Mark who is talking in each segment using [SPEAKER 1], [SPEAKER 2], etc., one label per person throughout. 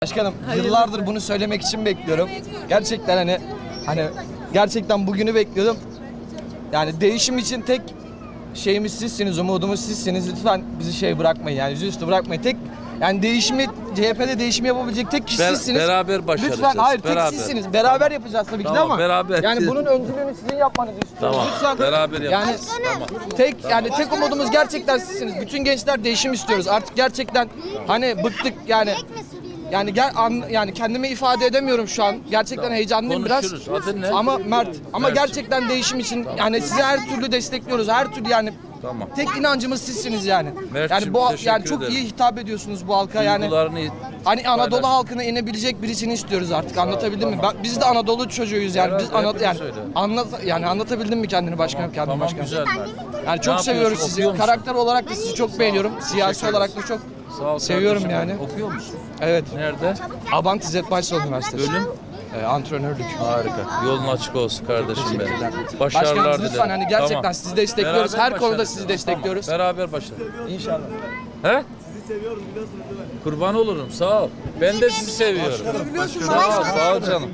[SPEAKER 1] Başkanım yıllardır bunu söylemek için bekliyorum. Gerçekten hani gerçekten bugünü bekliyordum. Yani değişim için tek şeyimiz sizsiniz, umudumuz sizsiniz. Lütfen bizi bırakmayın, yani yüzüstü bırakmayın. Tek yani değişimi, CHP'de değişimi yapabilecek tek kişi sizsiniz.
[SPEAKER 2] Beraber başaracağız.
[SPEAKER 1] Lütfen hayır,
[SPEAKER 2] beraber.
[SPEAKER 1] tek sizsiniz. Beraber yapacağız tabii ki de
[SPEAKER 2] Tamam,
[SPEAKER 1] ama
[SPEAKER 2] beraber.
[SPEAKER 1] yani bunun öncülüğünü sizin yapmanızı istiyorum.
[SPEAKER 2] Tamam,
[SPEAKER 1] Lütfen.
[SPEAKER 2] beraber
[SPEAKER 1] Yani
[SPEAKER 2] yapacağız.
[SPEAKER 1] tek umudumuz gerçekten sizsiniz. Bütün gençler değişim istiyoruz. Artık gerçekten hani bıktık yani. Yani kendimi ifade edemiyorum şu an. Gerçekten heyecanlıyım biraz.
[SPEAKER 2] Konuşuruz. Adın ne?
[SPEAKER 1] Ama Mert. Ama gerçekten değişim için yani sizi her türlü destekliyoruz. Her türlü yani.
[SPEAKER 2] Tamam.
[SPEAKER 1] Tek inancımız sizsiniz yani.
[SPEAKER 2] Mert'cim,
[SPEAKER 1] Yani
[SPEAKER 2] teşekkür
[SPEAKER 1] çok
[SPEAKER 2] ederim.
[SPEAKER 1] iyi hitap ediyorsunuz bu halka yani.
[SPEAKER 2] Duygularını
[SPEAKER 1] Hani Anadolu
[SPEAKER 2] paylaş.
[SPEAKER 1] halkına inebilecek birisini istiyoruz artık. Anlatabildim mi? Biz de Anadolu çocuğuyuz yani. Biz anlatabildim mi kendini başkanım?
[SPEAKER 2] Tamam,
[SPEAKER 1] başkanım.
[SPEAKER 2] güzel Mert.
[SPEAKER 1] Yani çok
[SPEAKER 2] Ne
[SPEAKER 1] seviyoruz
[SPEAKER 2] yapıyorsun?
[SPEAKER 1] sizi.
[SPEAKER 2] Okuyor musun?
[SPEAKER 1] Karakter olarak da sizi çok beğeniyorum. Siyasi olarak da çok
[SPEAKER 2] Sağ ol
[SPEAKER 1] seviyorum
[SPEAKER 2] kardeşim.
[SPEAKER 1] yani.
[SPEAKER 2] Okuyor musun?
[SPEAKER 1] Evet.
[SPEAKER 2] Nerede?
[SPEAKER 1] Abant İzzet Baysal Üniversitesi.
[SPEAKER 2] Bölüm?
[SPEAKER 1] Antrenörlük.
[SPEAKER 2] Harika. Yolun açık olsun kardeşim benim.
[SPEAKER 1] Başkanım
[SPEAKER 2] Başarılar dilerim.
[SPEAKER 1] lütfen hani gerçekten
[SPEAKER 2] Tamam.
[SPEAKER 1] sizi destekliyoruz.
[SPEAKER 2] Beraber
[SPEAKER 1] Her konuda
[SPEAKER 2] başarırız.
[SPEAKER 1] sizi destekliyoruz.
[SPEAKER 2] Tamam, beraber başarırız.
[SPEAKER 1] İnşallah.
[SPEAKER 2] He? Sizi seviyorum biliyorsunuz değil mi? Kurban olurum. Sağ ol. Ben de sizi seviyorum. Sağ ol canım.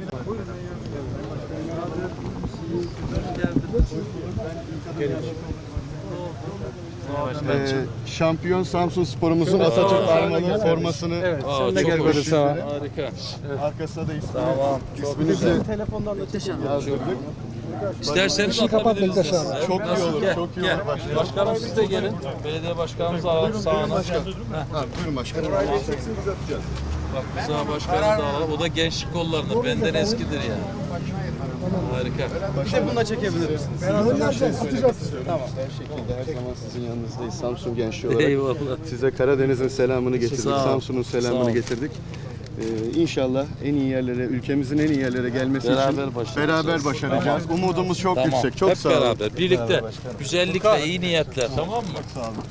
[SPEAKER 3] Şampiyon Samsun Spor'umuzun Atatürk armalı formasını
[SPEAKER 2] Aa,
[SPEAKER 3] çok
[SPEAKER 2] çok
[SPEAKER 3] hoş.
[SPEAKER 2] hoş. Harika.
[SPEAKER 3] Arkasına da
[SPEAKER 2] Tamam.
[SPEAKER 3] isminizi yazdırdık.
[SPEAKER 2] İsterseniz atabiliriz.
[SPEAKER 3] Çok iyi olur,
[SPEAKER 2] Gel,
[SPEAKER 3] çok iyi
[SPEAKER 2] gel.
[SPEAKER 3] olur başkanım.
[SPEAKER 2] Başkanım siz de gelin. Belediye başkanımız sağına.
[SPEAKER 3] Buyurun başkanım.
[SPEAKER 2] Bak Rıza başkanı da alalım. O da gençlik kollarında. Benden eskidir yani. Harika.
[SPEAKER 3] Bir de bununla çekebilir misiniz? Tamam. Her şekilde her zaman sizin yanınızdayız Samsun gençliği olarak.
[SPEAKER 2] Eyvallah.
[SPEAKER 3] Size Karadeniz'in selamını getirdik,
[SPEAKER 2] Sağ ol.
[SPEAKER 3] Samsun'un
[SPEAKER 2] Sağ
[SPEAKER 3] selamını
[SPEAKER 2] ol.
[SPEAKER 3] getirdik. İnşallah en iyi yerlere, ülkemizin en iyi yerlere gelmesi
[SPEAKER 2] Beraber
[SPEAKER 3] için
[SPEAKER 2] başaracağız.
[SPEAKER 3] beraber başaracağız. Umudumuz çok
[SPEAKER 2] Tamam.
[SPEAKER 3] yüksek. Çok
[SPEAKER 2] Hep
[SPEAKER 3] sağ olun.
[SPEAKER 2] beraber. Birlikte. Güzellikle, iyi niyetle. Tamam mı?
[SPEAKER 3] Sağ olun.